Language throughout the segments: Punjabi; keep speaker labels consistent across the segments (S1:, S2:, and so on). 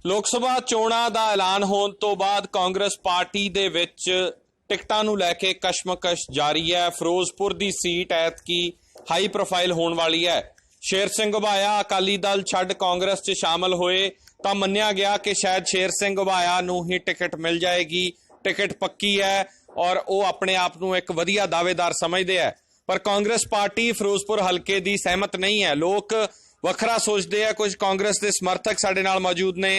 S1: ਲੋਕ ਸਭਾ ਚੋਣਾਂ ਦਾ ਐਲਾਨ ਹੋਣ ਤੋਂ ਬਾਅਦ ਕਾਂਗਰਸ ਪਾਰਟੀ ਦੇ ਵਿੱਚ ਟਿਕਟਾਂ ਨੂੰ ਲੈ ਕੇ ਕਸ਼ਮਕਸ਼ ਜਾਰੀ ਹੈ। ਫਿਰੋਜ਼ਪੁਰ ਦੀ ਸੀਟ ਐਤਕੀ ਹਾਈ ਪ੍ਰੋਫਾਈਲ ਹੋਣ ਵਾਲੀ ਹੈ। ਸ਼ੇਰ ਸਿੰਘ ਘੁਬਾਇਆ ਅਕਾਲੀ ਦਲ ਛੱਡ ਕਾਂਗਰਸ 'ਚ ਸ਼ਾਮਲ ਹੋਏ ਤਾਂ ਮੰਨਿਆ ਗਿਆ ਕਿ ਸ਼ਾਇਦ ਸ਼ੇਰ ਸਿੰਘ ਘੁਬਾਇਆ ਨੂੰ ਹੀ ਟਿਕਟ ਮਿਲ ਜਾਏਗੀ। ਟਿਕਟ ਪੱਕੀ ਹੈ ਔਰ ਉਹ ਆਪਣੇ ਆਪ ਨੂੰ ਇੱਕ ਵਧੀਆ ਦਾਅਵੇਦਾਰ ਸਮਝਦੇ ਹੈ। ਪਰ ਕਾਂਗਰਸ ਪਾਰਟੀ ਫਿਰੋਜ਼ਪੁਰ ਹਲਕੇ ਦੀ ਸਹਿਮਤ ਨਹੀਂ ਹੈ। ਲੋਕ ਵੱਖਰਾ ਸੋਚਦੇ ਆ। ਕੁਝ ਕਾਂਗਰਸ ਦੇ ਸਮਰਥਕ ਸਾਡੇ ਨਾਲ ਮੌਜੂਦ ਨੇ।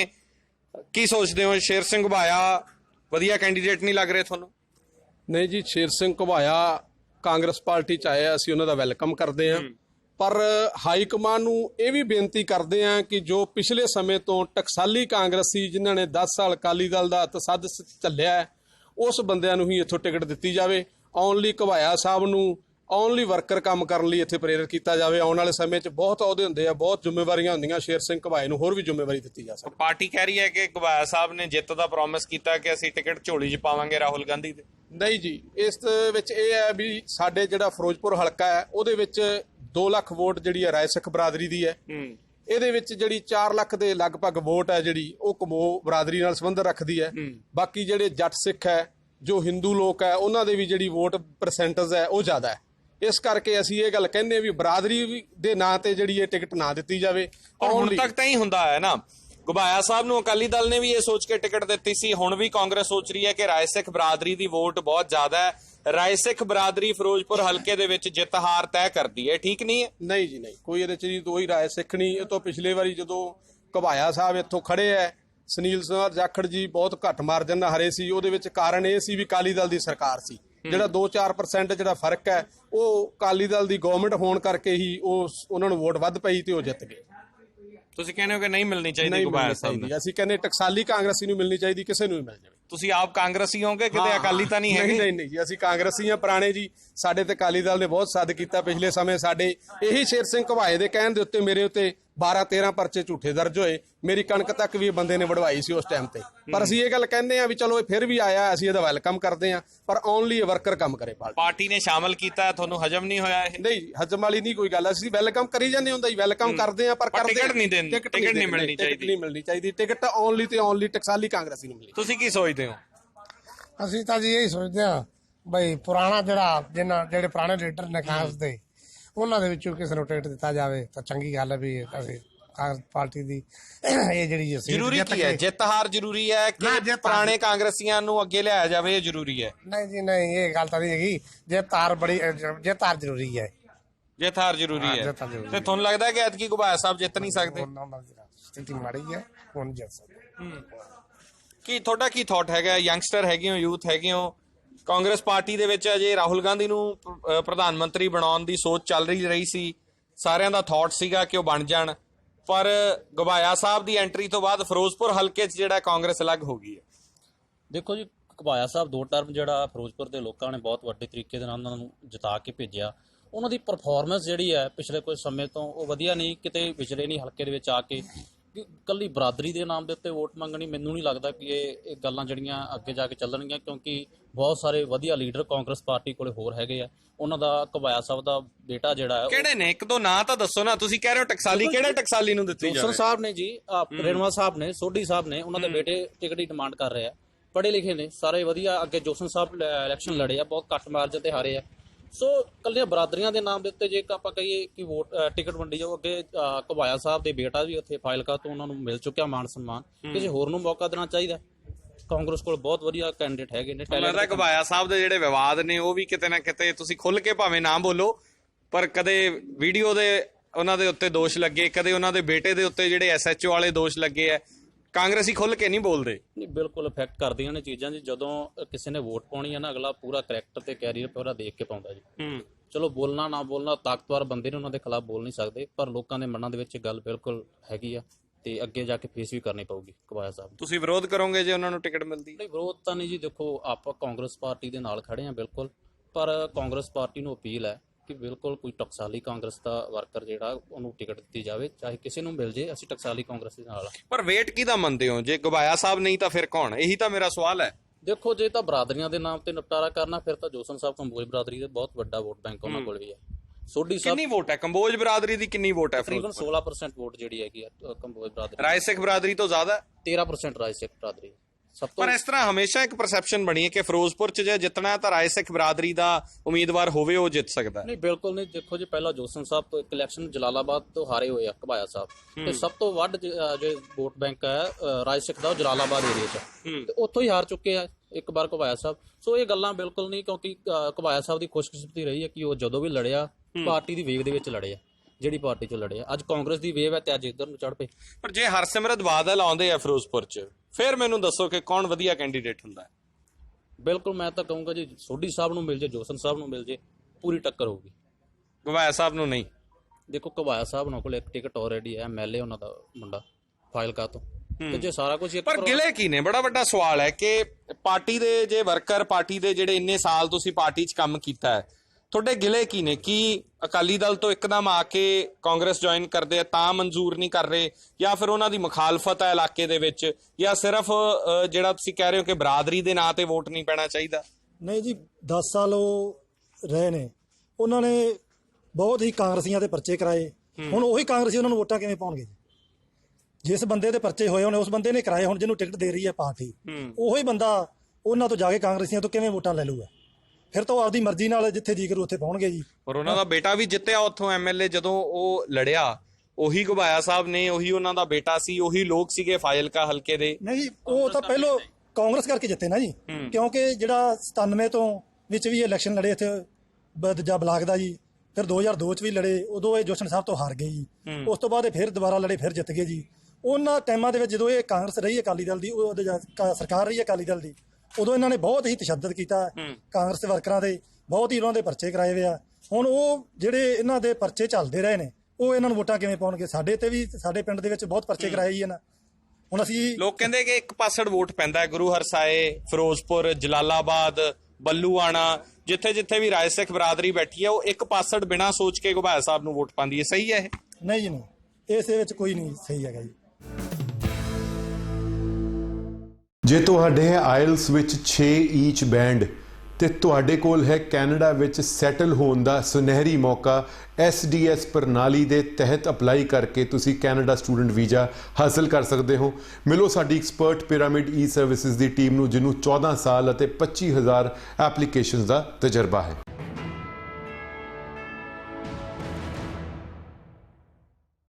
S1: ਕੀ ਸੋਚਦੇ ਹੋ? ਸ਼ੇਰ ਸਿੰਘ ਘੁਬਾਇਆ ਵਧੀਆ ਕੈਂਡੀਡੇਟ ਨਹੀਂ ਲੱਗ ਰਹੇ ਤੁਹਾਨੂੰ?
S2: ਨਹੀਂ ਜੀ, ਸ਼ੇਰ ਸਿੰਘ ਘੁਬਾਇਆ ਕਾਂਗਰਸ ਪਾਰਟੀ 'ਚ ਆਏ, ਅਸੀਂ ਉਹਨਾਂ ਦਾ ਵੈਲਕਮ ਕਰਦੇ ਹਾਂ। ਪਰ ਹਾਈ ਕਮਾਂਡ ਨੂੰ ਇਹ ਵੀ ਬੇਨਤੀ ਕਰਦੇ ਹਾਂ ਕਿ ਜੋ ਪਿਛਲੇ ਸਮੇਂ ਤੋਂ ਟਕਸਾਲੀ ਕਾਂਗਰਸੀ ਜਿਨ੍ਹਾਂ ਨੇ 10 ਸਾਲ ਅਕਾਲੀ ਦਲ ਦਾ ਤਸੱਦਦ ਝੱਲਿਆ, ਉਸ ਬੰਦਿਆਂ ਨੂੰ ਹੀ ਇੱਥੋਂ ਟਿਕਟ ਦਿੱਤੀ ਜਾਵੇ। ਓਨਲੀ ਘੁਬਾਇਆ ਸਾਹਿਬ ਨੂੰ ਓਨਲੀ ਵਰਕਰ ਕੰਮ ਕਰਨ ਲਈ ਇੱਥੇ ਪ੍ਰੇਰਿਤ ਕੀਤਾ ਜਾਵੇ। ਆਉਣ ਵਾਲੇ ਸਮੇਂ 'ਚ ਬਹੁਤ ਅਹੁਦੇ ਹੁੰਦੇ ਆ, ਬਹੁਤ ਜ਼ਿੰਮੇਵਾਰੀਆਂ ਹੁੰਦੀਆਂ। ਸ਼ੇਰ ਸਿੰਘ ਘੁਬਾਇਆ ਨੂੰ ਹੋਰ ਵੀ ਜ਼ਿੰਮੇਵਾਰੀ ਦਿੱਤੀ ਜਾ ਸਕਦੀ।
S1: ਪਾਰਟੀ ਕਹਿ ਰਹੀ ਹੈ ਕਿ ਘੁਬਾਇਆ ਸਾਹਿਬ ਨੇ ਜਿੱਤ ਦਾ ਪ੍ਰੋਮਿਸ ਕੀਤਾ ਕਿ ਅਸੀਂ ਟਿਕਟ ਝੋਲੀ 'ਚ ਪਾਵਾਂਗੇ ਰਾਹੁਲ ਗਾਂਧੀ ਦੇ।
S2: ਨਹੀਂ ਜੀ, ਇਸ ਵਿੱਚ ਇਹ ਹੈ ਵੀ ਸਾਡੇ ਜਿਹੜਾ ਫਿਰੋਜ਼ਪੁਰ ਹਲਕਾ ਹੈ ਉਹਦੇ ਵਿੱਚ 2 ਲੱਖ ਵੋਟ ਜਿਹੜੀ ਹੈ ਰਾਏ ਸਿੱਖ ਬਰਾਦਰੀ ਦੀ ਹੈ। ਇਹਦੇ ਵਿੱਚ ਜਿਹੜੀ 4 ਲੱਖ ਦੇ ਲਗਭਗ ਵੋਟ ਹੈ ਜਿਹੜੀ ਉਹ ਕਮੋ ਬਰਾਦਰੀ ਨਾਲ ਸੰਬੰਧ ਰੱਖਦੀ ਹੈ। ਬਾਕੀ ਜਿਹੜੇ ਜੱਟ ਸਿੱਖ ਹੈ, ਜੋ ਹਿੰਦੂ ਲੋਕ ਹੈ, ਉਹਨਾਂ ਦੇ ਵੀ ਜਿਹੜੀ ਵੋਟ ਪਰਸੈਂਟੇਜ ਹੈ ਉਹ ਜ਼ਿਆਦਾ ਹੈ। ਇਸ ਕਰਕੇ ਅਸੀਂ ਇਹ ਗੱਲ ਕਹਿੰਦੇ ਵੀ ਬਰਾਦਰੀ ਦੇ ਨਾਂ ਤੇ ਜਿਹੜੀ ਇਹ ਟਿਕਟ ਨਾ ਦਿੱਤੀ ਜਾਵੇ।
S1: ਹੁਣ ਤੱਕ ਤਾਂ ਹੀ ਹੁੰਦਾ ਹੈ ਨਾ। ਘੁਬਾਇਆ ਸਾਹਿਬ ਨੂੰ ਅਕਾਲੀ ਦਲ ਨੇ ਵੀ ਇਹ ਸੋਚ ਕੇ ਟਿਕਟ ਦਿੱਤੀ ਸੀ। ਹੁਣ ਵੀ ਕਾਂਗਰਸ ਸੋਚ ਰਹੀ ਹੈ ਕਿ ਰਾਏ ਸਿੱਖ ਬਰਾਦਰੀ ਦੀ ਵੋਟ ਬਹੁਤ ਜ਼ਿਆਦਾ ਹੈ। ਰਾਏ ਸਿੱਖ ਬਰਾਦਰੀ ਫਿਰੋਜ਼ਪੁਰ ਹਲਕੇ ਦੇ ਵਿੱਚ ਜਿੱਤ ਹਾਰ ਤੈਅ ਕਰਦੀ ਹੈ। ਠੀਕ ਨਹੀਂ ਹੈ?
S2: ਨਹੀਂ ਜੀ, ਨਹੀਂ, ਕੋਈ ਇਹਦੇ 'ਚ ਜੀ ਦੋਈ ਰਾਏ ਸਿੱਖ ਨਹੀਂ। ਇਹ ਤੋਂ ਪਿਛਲੇ ਵਾਰੀ ਜਦੋਂ ਘੁਬਾਇਆ ਸਾਹਿਬ ਇੱਥੋਂ ਖੜੇ ਹੈ, ਸੁਨੀਲ ਜਾਖੜ ਜੀ ਬਹੁਤ ਘੱਟ ਮਾਰਜਨ ਨਾਲ ਹਰੇ ਸੀ। ਉਹਦੇ ਵਿੱਚ ਕਾਰਨ ਇਹ ਸੀ ਵੀ ਅਕਾਲੀ ਦਲ ਦੀ ਸਰਕਾਰ ਸੀ। ਜਿਹੜਾ 2-4% ਜਿਹੜਾ ਫਰਕ ਹੈ ਉਹ ਅਕਾਲੀ ਦਲ ਦੀ ਗਵਰਨਮੈਂਟ ਹੋਣ ਕਰਕੇ ਹੀ ਉਹਨਾਂ ਨੂੰ ਵੋਟ ਵੱਧ ਪਈ ਤੇ ਉਹ ਜਿੱਤ ਗਏ।
S1: ਤੁਸੀਂ ਕਹਿੰਦੇ ਹੋ ਕਿ ਨਹੀਂ ਮਿਲਣੀ ਚਾਹੀਦੀ ਘੁਬਾਇਆ ਸਾਹਿਬ ਨੂੰ?
S2: ਅਸੀਂ ਕਹਿੰਦੇ ਟਕਸਾਲੀ ਕਾਂਗਰਸੀ ਨੂੰ ਮਿਲਣੀ ਚਾਹੀਦੀ, ਕਿਸੇ ਨੂੰ ਵੀ ਮਿਲ ਜਾਵੇ।
S1: ਤੁਸੀਂ ਆਪ ਕਾਂਗਰਸੀ ਹੋਗੇ, ਕਿਤੇ ਅਕਾਲੀ ਤਾਂ ਨਹੀਂ ਹੈਗੇ?
S2: ਨਹੀਂ ਜੀ, ਅਸੀਂ ਕਾਂਗਰਸੀ ਹਾਂ ਪੁਰਾਣੇ ਜੀ। ਸਾਡੇ ਤੇ ਅਕਾਲੀ ਦਲ ਨੇ ਬਹੁਤ ਸਾਥ ਕੀਤਾ ਪਿਛਲੇ ਸਮੇਂ। ਸਾਡੇ ਇਹੀ ਸ਼ੇਰ ਸਿੰਘ ਘੁਬਾਇਆ ਦੇ ਕਹਿਣ ਦੇ ਉੱਤੇ ਮੇਰੇ ਉੱਤੇ 12-13 ਪਰਚੇ ਝੂਠੇ ਦਰਜ ਹੋਏ। ਮੇਰੀ ਕਣਕ ਤੱਕ ਵੀ ਬੰਦੇ ਨੇ ਵੜਵਾਈ ਸੀ ਉਸ ਟਾਈਮ ਤੇ। ਪਰ ਅਸੀਂ ਇਹ ਗੱਲ ਕਹਿੰਦੇ ਆ ਵੀ ਚਲੋ ਇਹ ਫਿਰ ਵੀ ਆਇਆ, ਅਸੀਂ ਇਹਦਾ ਵੈਲਕਮ ਕਰਦੇ ਆ, ਪਰ ਓਨਲੀ ਵਰਕਰ ਕੰਮ ਕਰੇ।
S1: ਪਾਰਟੀ ਨੇ ਸ਼ਾਮਲ ਕੀਤਾ, ਤੁਹਾਨੂੰ ਹਜਮ ਨਹੀਂ ਹੋਇਆ ਇਹ?
S2: ਨਹੀਂ, ਹਜਮ ਵਾਲੀ ਨਹੀਂ ਕੋਈ ਗੱਲ। ਅਸੀਂ ਵੈਲਕਮ ਕਰੀ ਜਾਂਦੇ ਹੁੰਦਾ ਜੀ, ਵੈਲਕਮ ਕਰਦੇ ਆ, ਪਰ
S1: ਟਿਕਟ ਨਹੀਂ ਦਿੰਦੇ। ਟਿਕਟ ਨਹੀਂ ਮਿਲਣੀ ਚਾਹੀਦੀ।
S2: ਨਹੀਂ ਮਿਲਣੀ ਚਾਹੀਦੀ ਟਿਕਟ, ਓਨਲੀ ਤੇ ਓਨਲੀ ਟਕਸਾਲੀ ਕਾਂਗਰਸੀ ਨੂੰ ਮਿਲੇ।
S1: ਤੁਸੀਂ ਕੀ ਸੋਚਦੇ ਹੋ?
S3: ਅਸੀਂ ਤਾਂ ਜੀ ਇਹੀ ਸੋਚਦੇ ਹਾਂ ਬਈ ਪੁਰਾਣਾ ਜਿਹੜੇ ਪੁਰਾਣੇ ਲੀਡਰ ਨੇ ਕਾਂਗਰਸ ਦੇ, ਉਹਨਾਂ ਦੇ ਵਿੱਚੋਂ ਕਿਸੇ ਨੂੰ ਟਿਕਟ ਦਿੱਤਾ ਜਾਵੇ ਤਾਂ ਚੰਗੀ ਗੱਲ ਹੈ। ਵੀ ਅਸੀਂ ਕਾਂਗਰਸ ਪਾਰਟੀ ਦੀ ਇਹ ਜਿਹੜੀ
S1: ਜ਼ਰੂਰੀ ਕੀ ਹੈ? ਜਿੱਤ ਹਾਰ ਜ਼ਰੂਰੀ ਹੈ ਕਿ ਪੁਰਾਣੇ ਕਾਂਗਰਸੀਆਂ ਨੂੰ ਅੱਗੇ ਲਿਆਇਆ ਜਾਵੇ, ਇਹ ਜ਼ਰੂਰੀ ਹੈ?
S3: ਨਹੀਂ ਜੀ, ਨਹੀਂ, ਇਹ ਗੱਲ ਤਾਂ ਨਹੀਂ ਹੈਗੀ। ਜਿੱਤ ਹਾਰ ਜ਼ਰੂਰੀ ਹੈ।
S1: ਜਿੱਤ ਹਾਰ ਜ਼ਰੂਰੀ ਹੈ ਤੇ ਤੁਹਾਨੂੰ ਲੱਗਦਾ ਕਿ ਐਤਕੀ ਘੁਬਾਇਆ ਸਾਹਿਬ ਜਿੱਤ ਨਹੀਂ ਸਕਦੇ?
S3: ਸਥਿਤੀ ਮਾੜੀ ਹੈ, ਹੁਣ ਜਿੱਤ ਸਕਦੇ।
S1: ਕੀ ਤੁਹਾਡਾ ਕੀ ਥਾਟ ਹੈਗਾ? ਯੰਗਸਟਰ ਹੈਗੇ ਹੋ, ਯੂਥ ਹੈਗੇ ਹੋ। ਕਾਂਗਰਸ ਪਾਰਟੀ ਦੇ ਵਿੱਚ ਅਜੇ ਰਾਹੁਲ ਗਾਂਧੀ ਨੂੰ ਪ੍ਰਧਾਨ ਮੰਤਰੀ ਬਣਾਉਣ ਦੀ ਸੋਚ ਚੱਲ ਰਹੀ ਸੀ। ਸਾਰਿਆਂ ਦਾ ਥਾਟ ਸੀਗਾ ਕਿ ਉਹ ਬਣ ਜਾਣ, ਪਰ ਘੁਬਾਇਆ ਸਾਹਿਬ ਦੀ ਐਂਟਰੀ ਤੋਂ ਬਾਅਦ ਫਿਰੋਜ਼ਪੁਰ ਹਲਕੇ 'ਚ ਜਿਹੜਾ ਕਾਂਗਰਸ ਅਲੱਗ ਹੋ ਗਈ ਹੈ।
S4: ਦੇਖੋ ਜੀ, ਘੁਬਾਇਆ ਸਾਹਿਬ 2 ਟਰਮ ਜਿਹੜਾ ਫਿਰੋਜ਼ਪੁਰ ਦੇ ਲੋਕਾਂ ਨੇ ਬਹੁਤ ਵੱਡੇ ਤਰੀਕੇ ਦੇ ਨਾਲ ਉਹਨਾਂ ਨੂੰ ਜਿਤਾ ਕੇ ਭੇਜਿਆ। ਉਹਨਾਂ ਦੀ ਪਰਫਾਰਮੈਂਸ ਜਿਹੜੀ ਹੈ ਪਿਛਲੇ ਕੁਝ ਸਮੇਂ ਤੋਂ ਉਹ ਵਧੀਆ ਨਹੀਂ। ਕਿਤੇ ਵਿਚਰੇ ਨਹੀਂ ਹਲਕੇ ਦੇ ਵਿੱਚ ਆ ਕੇ ਇਕੱਲੀ ਬਰਾਦਰੀ ਦੇ ਨਾਮ ਦੇ ਉੱਤੇ ਵੋਟ ਮੰਗਣੀ, ਮੈਨੂੰ ਨਹੀਂ ਲੱਗਦਾ ਕਿ ਇਹ ਗੱਲਾਂ ਜਿਹੜੀਆਂ ਅੱਗੇ ਜਾ ਕੇ ਚੱਲਣਗੀਆਂ, ਕਿਉਂਕਿ ਬਹੁਤ ਸਾਰੇ ਵਧੀਆ ਲੀਡਰ ਕਾਂਗਰਸ ਪਾਰਟੀ ਕੋਲੇ ਹੋਰ ਹੈਗੇ ਆ। ਉਹਨਾਂ ਦਾ ਘੁਬਾਇਆ ਸਾਹਿਬ ਦਾ ਬੇਟਾ ਜਿਹੜਾ ਹੈ,
S1: ਕਿਹੜੇ ਨੇ? 1-2 ਨਾਂ ਤਾਂ ਦੱਸੋ ਨਾ। ਤੁਸੀਂ ਕਹਿ ਰਹੇ ਹੋ ਟਕਸਾਲੀ, ਕਿਹੜੇ ਟਕਸਾਲੀ ਨੂੰ ਦਿੱਤੀ ਜਾਵੇ?
S4: ਜੋਸਨ ਸਾਹਿਬ ਨੇ ਜੀ, ਰੇਣਵਾ ਸਾਹਿਬ ਨੇ, ਸੋਢੀ ਸਾਹਿਬ ਨੇ, ਉਹਨਾਂ ਦੇ ਬੇਟੇ ਟਿਕਟ ਦੀ ਡਿਮਾਂਡ ਕਰ ਰਹੇ ਆ। ਪੜ੍ਹੇ ਲਿਖੇ ਨੇ ਸਾਰੇ, ਵਧੀਆ। ਅੱਗੇ ਜੋਸਨ ਸਾਹਿਬ ਇਲੈਕਸ਼ਨ ਲੜੇ ਆ, ਬਹੁਤ ਘੱਟ ਮਾਰਜਨ ਤੇ ਹਾਰੇ ਆ। ਸੋ ਕੱਲੀਆਂ ਬਰਾਦਰੀਆਂ ਦੇ ਨਾਮ ਦੇ ਉੱਤੇ ਜੇ ਆਪਾਂ ਕਹੀਏ ਕਿ ਵੋਟ ਟਿਕਟ ਵੰਡੀ ਜਾਓ, ਅੱਗੇ ਘੁਬਾਇਆ ਸਾਹਿਬ ਦੇ ਬੇਟਾ ਵੀ ਉੱਥੇ ਫਾਈਲਕਾ ਤੋਂ ਉਹਨਾਂ ਨੂੰ ਮਿਲ ਚੁੱਕਿਆ ਮਾਨ ਸਨਮਾਨ। ਕਿਸੇ ਹੋਰ ਨੂੰ ਮੌਕਾ ਦੇਣਾ ਚਾਹੀਦਾ। ਕਾਂਗਰਸ ਕੋਲ ਬਹੁਤ ਵਧੀਆ ਕੈਂਡੀਡੇਟ ਹੈਗੇ ਨੇ।
S1: ਲੱਗਦਾ ਘੁਬਾਇਆ ਸਾਹਿਬ ਦੇ ਜਿਹੜੇ ਵਿਵਾਦ ਨੇ ਉਹ ਵੀ ਕਿਤੇ ਨਾ ਕਿਤੇ, ਤੁਸੀਂ ਖੁੱਲ ਕੇ ਭਾਵੇਂ ਨਾ ਬੋਲੋ, ਪਰ ਕਦੇ ਵੀਡੀਓ ਦੇ ਉਹਨਾਂ ਦੇ ਉੱਤੇ ਦੋਸ਼ ਲੱਗੇ, ਕਦੇ ਉਹਨਾਂ ਦੇ ਬੇਟੇ ਦੇ ਉੱਤੇ ਜਿਹੜੇ SHO ਵਾਲੇ ਦੋਸ਼ ਲੱਗੇ ਆ। ਕਾਂਗਰਸੀ ਖੁੱਲ ਕੇ ਨਹੀਂ ਬੋਲਦੇ। ਨਹੀਂ,
S4: ਬਿਲਕੁਲ ਇਫੈਕਟ ਕਰਦੀਆਂ ਨੇ ਚੀਜ਼ਾਂ ਜੀ। ਜਦੋਂ ਕਿਸੇ ਨੇ ਵੋਟ ਪਾਉਣੀ ਹੈ ਨਾ, ਅਗਲਾ ਪੂਰਾ ਕਰੈਕਟਰ ਤੇ ਕੈਰੀਅਰ ਪੂਰਾ ਦੇਖ ਕੇ ਪਾਉਂਦਾ ਜੀ। ਚਲੋ ਬੋਲਣਾ ਨਾ ਬੋਲਣਾ, ਤਾਕਤਵਰ ਬੰਦੇ ਨੇ ਉਹਨਾਂ ਦੇ ਖਿਲਾਫ ਬੋਲ ਨਹੀਂ ਸਕਦੇ, ਪਰ ਲੋਕਾਂ ਦੇ ਮਨਾਂ ਦੇ ਵਿੱਚ ਇਹ ਗੱਲ ਬਿਲਕੁਲ ਹੈਗੀ ਆ ਤੇ ਅੱਗੇ ਜਾ ਕੇ ਫੇਸ ਵੀ ਕਰਨੀ ਪਊਗੀ ਘੁਬਾਇਆ ਸਾਹਿਬ।
S1: ਤੁਸੀਂ ਵਿਰੋਧ ਕਰੋਗੇ ਜੇ ਉਹਨਾਂ ਨੂੰ ਟਿਕਟ ਮਿਲਦੀ?
S4: ਨਹੀਂ, ਵਿਰੋਧ ਤਾਂ ਨਹੀਂ ਜੀ। ਦੇਖੋ, ਆਪਾਂ ਕਾਂਗਰਸ ਪਾਰਟੀ ਦੇ ਨਾਲ ਖੜੇ ਹਾਂ ਬਿਲਕੁਲ, ਪਰ ਕਾਂਗਰਸ ਪਾਰਟੀ ਨੂੰ ਅਪੀਲ ਹੈ ਕਿ ਬਿਲਕੁਲ ਕੋਈ ਟਕਸਾਲੀ ਕਾਂਗਰਸ ਦਾ ਵਰਕਰ ਜਿਹੜਾ ਉਹਨੂੰ ਟਿਕਟ ਦਿੱਤੀ ਜਾਵੇ, ਚਾਹੇ ਕਿਸੇ ਨੂੰ ਮਿਲ ਜੇ। ਅਸੀਂ ਟਕਸਾਲੀ ਕਾਂਗਰਸ ਦੇ ਨਾਲ।
S1: ਪਰ ਵੇਟ ਕਿਹਦਾ ਮੰਨਦੇ ਹੋ? ਜੇ ਘੁਬਾਇਆ ਸਾਹਿਬ ਨਹੀਂ ਤਾਂ ਫਿਰ ਕੌਣ? ਇਹੀ ਤਾਂ ਮੇਰਾ ਸਵਾਲ ਹੈ।
S4: ਦੇਖੋ, ਜੇ ਤਾਂ ਬਰਾਦਰੀਆਂ ਦੇ ਨਾਮ ਤੇ ਨਿਪਟਾਰਾ ਕਰਨਾ, ਫਿਰ ਤਾਂ ਜੋਸਨ ਸਾਹਿਬ ਕੰਬੋਜ ਬਰਾਦਰੀ ਦੇ ਬਹੁਤ ਵੱਡਾ ਵੋਟ ਬੈਂਕ ਉਹਨਾਂ ਕੋਲ ਵੀ ਹੈ। ਸੋਢੀ ਸਾਹਿਬ
S1: ਕਿੰਨੀ ਵੋਟ ਹੈ ਕੰਬੋਜ ਬਰਾਦਰੀ ਦੀ, ਕਿੰਨੀ ਵੋਟ ਹੈ
S4: ਤਕਰੀਬਨ
S1: ਫਿਰੋਜ਼ਪੁਰ?
S4: 16% ਵੋਟ ਜਿਹੜੀ ਹੈਗੀ ਆ ਕੰਬੋਜ ਬਰਾਦਰੀ,
S1: ਰਾਏ ਸਿੱਖ ਬਰਾਦਰੀ ਤੋਂ ਜ਼ਿਆਦਾ ਹੈ?
S4: 13% ਰਾਏ ਸਿੱਖ ਬਰਾਦਰੀ ਸਭ ਤੋਂ।
S1: ਪਰ ਇਸ ਤਰ੍ਹਾਂ ਹਮੇਸ਼ਾ ਇੱਕ ਪਰਸੈਪਸ਼ਨ ਬਣੀ ਹੈ ਕਿ ਫਿਰੋਜ਼ਪੁਰ 'ਚ ਜੇ ਜਿੱਤਣਾ ਹੈ ਤਾਂ ਰਾਏ ਸਿੱਖ ਬਰਾਦਰੀ ਦਾ ਉਮੀਦਵਾਰ ਹੋਵੇ ਉਹ ਜਿੱਤ ਸਕਦਾ ਹੈ।
S4: ਨਹੀਂ ਬਿਲਕੁਲ ਨਹੀਂ। ਦੇਖੋ ਜੀ ਪਹਿਲਾਂ ਜੋਸਨ ਸਾਹਿਬ ਤੋਂ ਇੱਕ ਇਲੈਕਸ਼ਨ ਜਲਾਲਾਬਾਦ ਤੋਂ ਹਾਰੇ ਹੋਏ ਆ ਘਬਾਇਆ ਸਾਹਿਬ, ਤੇ ਸਭ ਤੋਂ ਵੱਧ ਜੇ ਵੋਟ ਬੈਂਕ ਹੈ ਰਾਏ ਸਿੱਖ ਦਾ ਉਹ ਜਲਾਲਾਬਾਦ ਏਰੀਆ 'ਚ, ਤੇ ਉੱਥੋਂ ਹੀ ਹਾਰ ਚੁੱਕੇ ਆ ਇੱਕ ਵਾਰ ਘਬਾਇਆ ਸਾਹਿਬ। ਸੋ ਇਹ ਗੱਲਾਂ ਬਿਲਕੁਲ ਨਹੀਂ, ਕਿਉਂਕਿ ਘਬਾਇਆ ਸਾਹਿਬ ਦੀ ਖੁਸ਼ਕਿਸਮਤੀ ਰਹੀ ਹੈ ਕਿ ਉਹ ਜਦੋਂ ਵੀ ਲੜਿਆ ਪਾਰਟੀ ਦੀ ਵੇਵ ਦੇ ਵਿੱਚ ਲੜਿਆ, ਜਿਹੜੀ ਪਾਰਟੀ 'ਚ ਲੜਿਆ। ਅੱਜ ਕਾਂਗਰਸ ਦੀ ਵੇਵ ਹੈ ਤੇ ਅੱਜ ਇੱਧਰ ਨੂੰ ਚੜ ਪਏ।
S1: ਪਰ ਜੇ ਹਰਸਿਮਰਤ ਬਾਦਲ ਆਉਂਦੇ ਆ ਫਿਰੋਜ਼ਪੁਰ 'ਚ, ਫਿਰ ਮੈਨੂੰ ਦੱਸੋ ਕਿ ਕੌਣ ਵਧੀਆ ਕੈਂਡੀਡੇਟ ਹੁੰਦਾ ਹੈ?
S4: ਬਿਲਕੁਲ ਮੈਂ ਤਾਂ ਕਹੂੰਗਾ ਜੀ ਸੋਢੀ ਸਾਹਿਬ ਨੂੰ ਮਿਲ ਜੇ, ਜੋਸਨ ਸਾਹਿਬ ਨੂੰ ਮਿਲ ਜੇ, ਪੂਰੀ ਟੱਕਰ ਹੋਊਗੀ।
S1: ਘੁਬਾਇਆ ਸਾਹਿਬ ਨੂੰ ਨਹੀਂ?
S4: ਦੇਖੋ ਘਬਾਇਆ ਸਾਹਿਬ ਨਾਲ ਕੋਲ ਇੱਕ ਟਿਕਟ ਆਲਰੇਡੀ ਹੈ, ਐਮਐਲਏ ਉਹਨਾਂ ਦਾ ਮੁੰਡਾ ਫਾਜ਼ਿਲਕਾ ਤੋਂ, ਤੇ ਜੇ ਸਾਰਾ ਕੁਝ
S1: ਪਰ ਗਿਲੇ ਕੀ ਨੇ? ਬੜਾ ਵੱਡਾ ਸਵਾਲ ਹੈ ਕਿ ਪਾਰਟੀ ਦੇ ਜੇ ਵਰਕਰ, ਪਾਰਟੀ ਦੇ ਜਿਹੜੇ ਇੰਨੇ ਸਾਲ ਤੁਸੀਂ ਪਾਰਟੀ 'ਚ ਕੰਮ ਕੀਤਾ ਹੈ, ਤੁਹਾਡੇ ਗਿਲੇ ਕੀ ਨੇ? ਕੀ ਅਕਾਲੀ ਦਲ ਤੋਂ ਇੱਕਦਮ ਆ ਕੇ ਕਾਂਗਰਸ ਜੁਆਇਨ ਕਰਦੇ ਆ ਤਾਂ ਮਨਜ਼ੂਰ ਨਹੀਂ ਕਰ ਰਹੇ, ਜਾਂ ਫਿਰ ਉਹਨਾਂ ਦੀ ਮੁਖਾਲਫਤ ਹੈ ਇਲਾਕੇ ਦੇ ਵਿੱਚ, ਜਾਂ ਸਿਰਫ ਜਿਹੜਾ ਤੁਸੀਂ ਕਹਿ ਰਹੇ ਹੋ ਕਿ ਬਰਾਦਰੀ ਦੇ ਨਾਂ ਤੇ ਵੋਟ ਨਹੀਂ ਪੈਣਾ ਚਾਹੀਦਾ?
S5: ਨਹੀਂ ਜੀ, 10 ਸਾਲ ਉਹ ਰਹੇ ਨੇ, ਉਹਨਾਂ ਨੇ ਬਹੁਤ ਹੀ ਕਾਂਗਰਸੀਆਂ ਦੇ ਪਰਚੇ ਕਰਾਏ। ਹੁਣ ਉਹੀ ਕਾਂਗਰਸੀ ਉਹਨਾਂ ਨੂੰ ਵੋਟਾਂ ਕਿਵੇਂ ਪਾਉਣਗੇ? ਜਿਸ ਬੰਦੇ ਦੇ ਪਰਚੇ ਹੋਏ ਉਹਨੇ ਉਸ ਬੰਦੇ ਨੇ ਕਰਾਏ, ਹੁਣ ਜਿਹਨੂੰ ਟਿਕਟ ਦੇ ਰਹੀ ਹੈ ਪਾਰਟੀ, ਉਹੀ ਬੰਦਾ ਉਹਨਾਂ ਤੋਂ ਜਾ ਕੇ ਕਾਂਗਰਸੀਆਂ ਤੋਂ ਕਿਵੇਂ ਵੋਟਾਂ ਲੈ ਲੂਗਾ? ਫਿਰ ਤਾਂ ਉਹ ਆਪਦੀ ਮਰਜ਼ੀ ਨਾਲ ਜਿੱਥੇ ਜੀ ਕਰੂ ਉੱਥੇ ਪਹੁੰਚਣਗੇ ਜੀ।
S1: ਪਰ ਉਹਨਾਂ ਦਾ ਬੇਟਾ ਵੀ ਜਿੱਤਿਆ ਉੱਥੋਂ ਐਮਐਲਏ, ਜਦੋਂ ਉਹ ਲੜਿਆ ਉਹੀ ਘੁਬਾਇਆ ਸਾਹਿਬ ਨੇ, ਉਹੀ ਉਹਨਾਂ ਦਾ ਬੇਟਾ ਸੀ, ਉਹੀ ਲੋਕ ਸੀਗੇ ਫਾਜ਼ਿਲਕਾ ਹਲਕੇ ਦੇ।
S5: ਨਹੀਂ ਜੀ, ਉਹ ਤਾਂ ਪਹਿਲੋਂ ਕਾਂਗਰਸ ਕਰਕੇ ਜਿੱਤੇ ਨਾ ਜੀ, ਕਿਉਂਕਿ ਜਿਹੜਾ 97 ਤੋਂ ਵਿੱਚ ਵੀ ਇਲੈਕਸ਼ਨ ਲੜੇ ਇੱਥੇ ਦੂਜਾ ਬਲਾਕ ਦਾ ਜੀ, ਫਿਰ 2002 ਚ ਵੀ ਲੜੇ, ਉਦੋਂ ਇਹ ਜੋਸ਼ਨ ਸਾਹਿਬ ਤੋਂ ਹਾਰ ਗਏ ਜੀ। ਉਸ ਤੋਂ ਬਾਅਦ ਇਹ ਫਿਰ ਦੁਬਾਰਾ ਲੜੇ, ਫਿਰ ਜਿੱਤ ਗਏ ਜੀ। ਉਹਨਾਂ ਟਾਈਮਾਂ ਦੇ ਵਿੱਚ ਜਦੋਂ ਇਹ ਕਾਂਗਰਸ ਰਹੀ ਅਕਾਲੀ ਦਲ ਦੀ, ਉਹ ਸਰਕਾਰ ਰਹੀ ਅਕਾਲੀ ਦਲ ਦੀ, ਉਦੋਂ ਇਹਨਾਂ ਨੇ ਬਹੁਤ ਹੀ ਤਸ਼ੱਦਦ ਕੀਤਾ ਕਾਂਗਰਸ ਦੇ ਵਰਕਰਾਂ ਦੇ, ਬਹੁਤ ਹੀ ਉਹਨਾਂ ਦੇ ਪਰਚੇ ਕਰਾਏ ਹੋਏ ਆ। ਹੁਣ ਉਹ ਜਿਹੜੇ ਇਹਨਾਂ ਦੇ ਪਰਚੇ ਚੱਲਦੇ ਰਹੇ ਨੇ, ਉਹ ਇਹਨਾਂ ਨੂੰ ਵੋਟਾਂ ਕਿਵੇਂ ਪਾਉਣਗੇ? ਸਾਡੇ ਤੇ ਵੀ, ਸਾਡੇ ਪਿੰਡ ਦੇ ਵਿੱਚ ਬਹੁਤ ਪਰਚੇ ਕਰਾਏ ਜੀ ਇਹਨਾਂ। ਹੁਣ ਅਸੀਂ,
S1: ਲੋਕ ਕਹਿੰਦੇ ਕਿ ਇੱਕ ਪਾਸੜ ਵੋਟ ਪੈਂਦਾ ਹੈ ਗੁਰੂ ਹਰਸਾਏ, ਫਿਰੋਜ਼ਪੁਰ, ਜਲਾਲਾਬਾਦ, ਬੱਲੂਆਣਾ, ਜਿੱਥੇ ਜਿੱਥੇ ਵੀ ਰਾਏ ਸਿੱਖ ਬਰਾਦਰੀ ਬੈਠੀ ਹੈ, ਉਹ ਇੱਕ ਪਾਸੜ ਬਿਨਾਂ ਸੋਚ ਕੇ ਘੁਬਾਇਆ ਸਾਹਿਬ ਨੂੰ ਵੋਟ ਪਾਉਂਦੀ ਹੈ। ਸਹੀ ਹੈ ਇਹ?
S5: ਨਹੀਂ ਜੀ, ਨਹੀਂ, ਇਸ ਦੇ ਵਿੱਚ ਕੋਈ ਨਹੀਂ ਸਹੀ ਹੈਗਾ ਜੀ।
S6: ਜੇ ਤੁਹਾਡੇ ਆਇਲਸ ਵਿੱਚ 6 ਈਚ ਬੈਂਡ ਤੇ ਤੁਹਾਡੇ ਕੋਲ ਹੈ ਕੈਨੇਡਾ ਵਿੱਚ ਸੈਟਲ ਹੋਣ ਦਾ ਸੁਨਹਿਰੀ ਮੌਕਾ, SDS ਪ੍ਰਣਾਲੀ ਦੇ ਤਹਿਤ ਅਪਲਾਈ ਕਰਕੇ ਤੁਸੀਂ ਕੈਨੇਡਾ ਸਟੂਡੈਂਟ ਵੀਜ਼ਾ ਹਾਸਲ ਕਰ ਸਕਦੇ ਹੋ। ਮਿਲੋ ਸਾਡੀ ਐਕਸਪਰਟ ਪਿਰਾਮਿਡ ਈ ਸਰਵਿਸਿਜ਼ ਦੀ ਟੀਮ ਨੂੰ, ਜਿਹਨੂੰ 14 ਸਾਲ ਅਤੇ 25,000 ਐਪਲੀਕੇਸ਼ਨਸ ਦਾ ਤਜਰਬਾ ਹੈ।